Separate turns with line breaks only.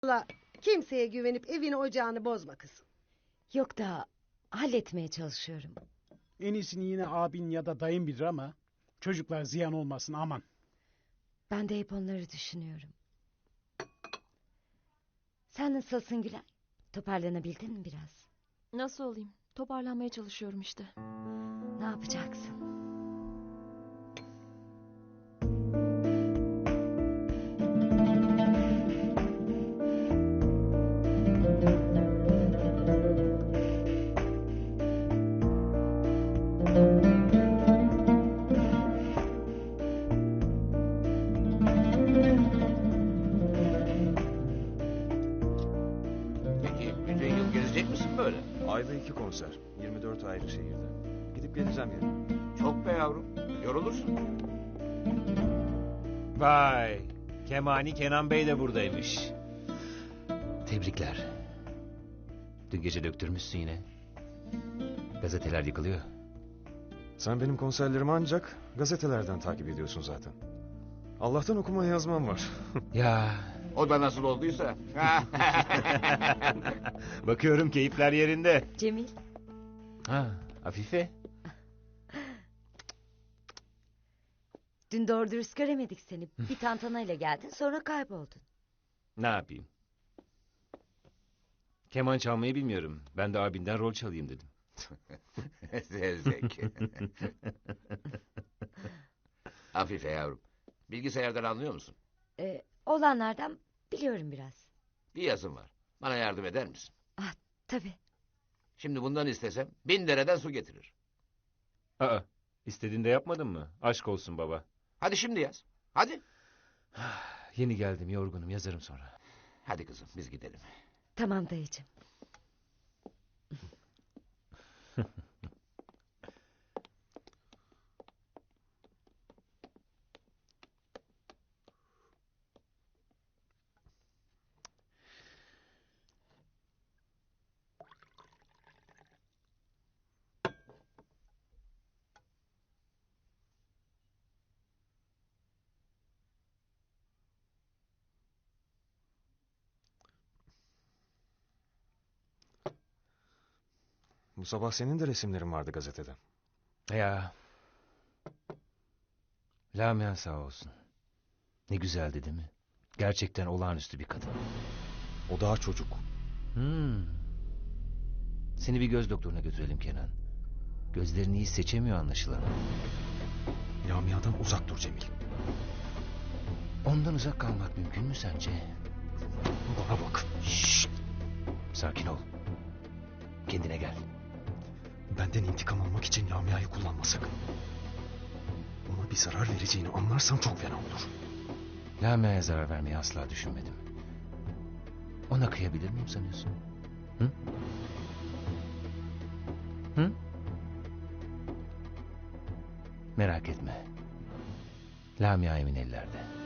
Valla kimseye güvenip evini ocağını bozma kızım.
Yok da halletmeye çalışıyorum.
En iyisini yine abin ya da dayın bilir ama çocuklar ziyan olmasın aman.
Ben de hep onları düşünüyorum. Sen nasılsın Gülay? Toparlanabildin mi biraz?
Nasıl olayım? Toparlanmaya çalışıyorum işte.
Ne yapacaksın?
Peki bütün yıl gezecek misin böyle?
Ayda 2 konser. 24 ayrı şehirde. Gidip geleceğim yani.
Çok be yavrum. Yorulursun.
Vay, Kemani Kenan Bey de buradaymış. Tebrikler. Dün gece döktürmüşsün yine. Gazeteler yıkılıyor.
Sen benim konserlerimi ancak gazetelerden takip ediyorsun zaten. Allah'tan okuma yazmam var.
Ya,
O da nasıl olduysa.
bakıyorum keyifler yerinde.
Cemil,
Ha, Afife.
dün doğru dürüst göremedik seni. Bir tantanayla geldin, sonra kayboldun.
Ne yapayım? Keman çalmayı bilmiyorum. Ben de abinden rol çalayım dedim.
Zevzek. Afife yavrum. Bilgisayardan anlıyor musun?
Olanlardan biliyorum biraz.
Bir yazım var. Bana yardım eder misin?
Ah, tabii.
Şimdi bundan istesem 1000 dereden su getirir.
Aa, istediğinde yapmadın mı? Aşk olsun baba.
Hadi şimdi yaz. Hadi.
Yeni geldim, yorgunum. Yazarım sonra.
Hadi kızım biz gidelim.
Tamam dayıcığım.
Bu sabah senin de resimlerin vardı gazetede.
Ya. Lamia sağ olsun. Ne güzeldi değil mi? Gerçekten olağanüstü bir kadın.
O daha çocuk.
Seni bir göz doktoruna götürelim Kenan. Gözlerini iyi seçemiyor anlaşılan.
Lamia'dan uzak dur Cemil.
Ondan uzak kalmak mümkün mü sence?
Bana bak.
Şşt! Sakin ol. Kendine gel.
Benden intikam almak için Lamia'yı kullanma sakın. Ona bir zarar vereceğini anlarsam çok fena olur.
Lamia'ya zarar vermeyi asla düşünmedim. Ona kıyabilir miyim sanıyorsun? Hı? Hı? Merak etme. Lamia emin ellerde.